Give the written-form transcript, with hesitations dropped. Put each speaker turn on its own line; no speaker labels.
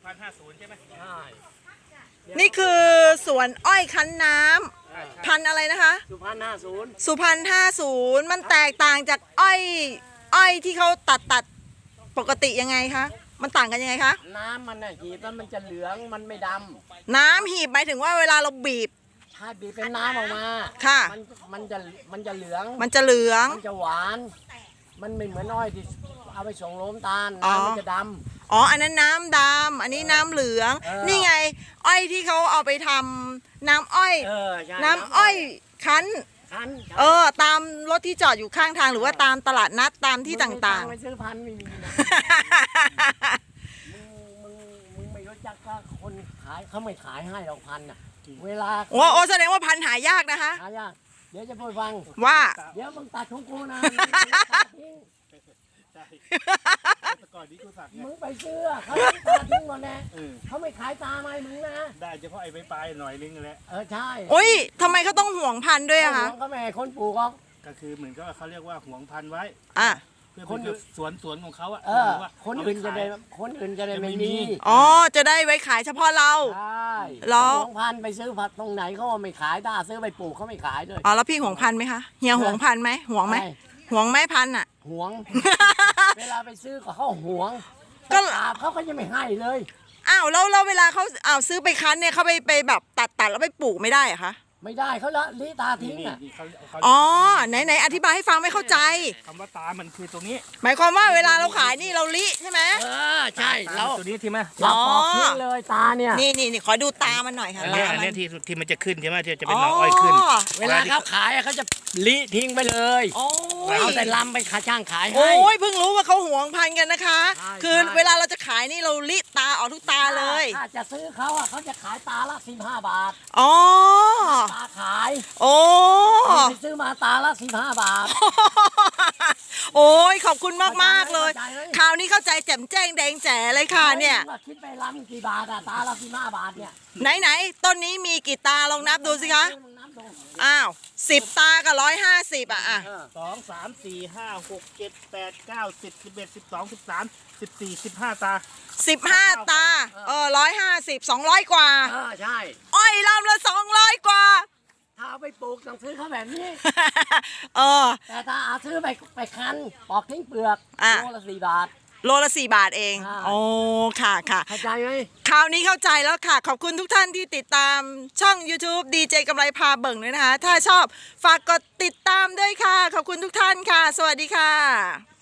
1,050ใช่ไหม
ใช่
นี่คือสวนอ้อยคั้นน้ำพันธุ์อะไรนะคะ
สุพรรณ50
สุพรรณ50มันแตกต่างจากอ้อยที่เขาตัดปกติยังไงคะมันต่างกันยังไงคะ
น้ำมันน่ะหีบแล้วมันจะเหลืองมันไม่ด
น้ำหีบหมายถึงว่าเวลาเราบีบ
ำถ้าบีบเป็นน้ำออกมา
ค่ะ
มันจะเหลือง
มันจะเหลือง
มันจะหวาน มันไม่เหมือนอ้อยที่เอาไปส่งโรงตาล
อ๋อ
น้ำมันจะด
อ๋ออันนั้นน้ำดำอันนี้น้ำเหลือง นี่ไง อ้อยที่เขาเอาไปทำน้ำอ้อย
ำใช่
น้ำอ้อยคั้น
คัน
ตามรถที่จอดอยู่ข้างทางหรือว่าตามตลาดนัดตามที่ต่าง
ๆไปซื้อพันธุ์ไม่มีนะ
ๆ
มึงไม่รู้จักก็คนขายเขาไม่ขายให้เราพันน่ะเวลา
โอ้แสดงว่าพันธุ์หายากนะคะ
หายากเดี๋ยวจะพูดฟัง
ว่า
เดี๋ยวมึงตัดของกูนะ
ใช่แต่ก่อนนี้กูสักไง
มึงไปซื้อเขาตัดทิ้งหมดแน่
เออ
เขาไม่ขายตาไหมมึงนะ
ได้เฉพาะไอ้ปลายหน่อยนึงแหละ
ใช่
โอ้ยทำไมเขาต้องห่วงพันธุ์ด้วยอะคะ
เขาไม่ให้คนปลูกหรอก
ก็คือเหมือนกับว่าเขาเรียกว่าห่วงพันธุ์ไว้
อ่ะ
เพื่อเป็นสวนของเขาอะ
ว่าคนอื่นจะได้ไม่มี
อ๋อจะได้ไว้ขายเฉพาะเรา
ใช่
เหรอ
ของพันธุ์ไปซื้อผักตรงไหนเขาไม่ขายถ้าซื้อไปปลูกเขาไม่ขายเลย
อ๋อแล้วพี่ห่วงพันธุ์ไหมคะเฮียห่วงพันธุ์ไหมห่วงไหม
ใช่
ห่วงไหมพันธุ์อะ
หวง เวลาไปซื้อก็เขาหวง
ก็
ถามเขาก็ยังไม่ให้เลย
อ้าวแล้วเวลาเขาซื้อไปคั้นเนี่ยเขาไปแบบตัดแล้วไปปลูกไม่ได้เหรอะคะ
ไม่ได้เขาละลิตาทิ้ง
นี่
อ่ะ
นี่เขา
อ๋อไหนอธิบายให้ฟังไม่เข้าใจ
คำว่าตามันคือตรงนี้
หมายความว่าเวลาเราขายนี่เราลิใช่ไหม
ใช่
ตา
แล้ว
ตัวนี้ที่ไหม
เราปอกทิ้งเลยตาเนี่ย
นี่ขอดูตามันหน่อยค่ะ
อันนี้
ตามั
ที่มันจะขึ้นใช่ไหมที่จะเป็นหน่ออ้อยขึ้น
เวลาเขาขายอะเขาจะลิทิ้งไปเลย
โอ้ย
เอาแต่ลำไปขาช่างขายให้
โอ้ยเพิ่งรู้ว่าเขาห่วงพันธุ์กันนะคะ
ใช่
คือ
ใช่
เวลาเราจะขายนี่เราลิตาออกทุกตาเลย
ถ้าจะซื้อเขาอ่ะเขาจะขายตาละ15 บาท
อ๋อ
ตาขาย
โอ้
ไปซื้อมาตาละ15 บาท
โอ้ยขอบคุณมากๆเลย
เข้าใจไหม
คราวนี้เข้าใจแจ่มแจ้งแดงแจ๋เลยค่ะเนี่ย
ว่าคิดไปลำกี่บาทอะตาละ15 บาทเนี่ย
ไหนต้นนี้มีกี่ตาลองนับดูสิคะ
น้ำตรง
อ้าว10 ตากับ150อ่ะ
2 3 4 5 6 7 8 9 10 11 12 13 14 15 ตา
15 ตา150 200 กว่า
ใช่
อ้อยลำละ200 กว่า
ถ้าเอาไปปลูกต้องซื้อเขาแบบนี้
เออ
แต่ถ้าเอาซื้อไปคั้นปอกทิ้งเปลือก
อ่ะ
โลละ4 บาท
โลละ4 บาทเอง
ใช่
โอ้ค่ะ
เข้าใจไหม
คราวนี้เข้าใจแล้วค่ะ ขอบคุณทุกท่านที่ติดตามช่อง YouTube ดีเจกำไรพาเบิ่งด้วยนะคะ ถ้าชอบฝากกดติดตามด้วยค่ะ ขอบคุณทุกท่านค่ะ สวัสดีค่ะ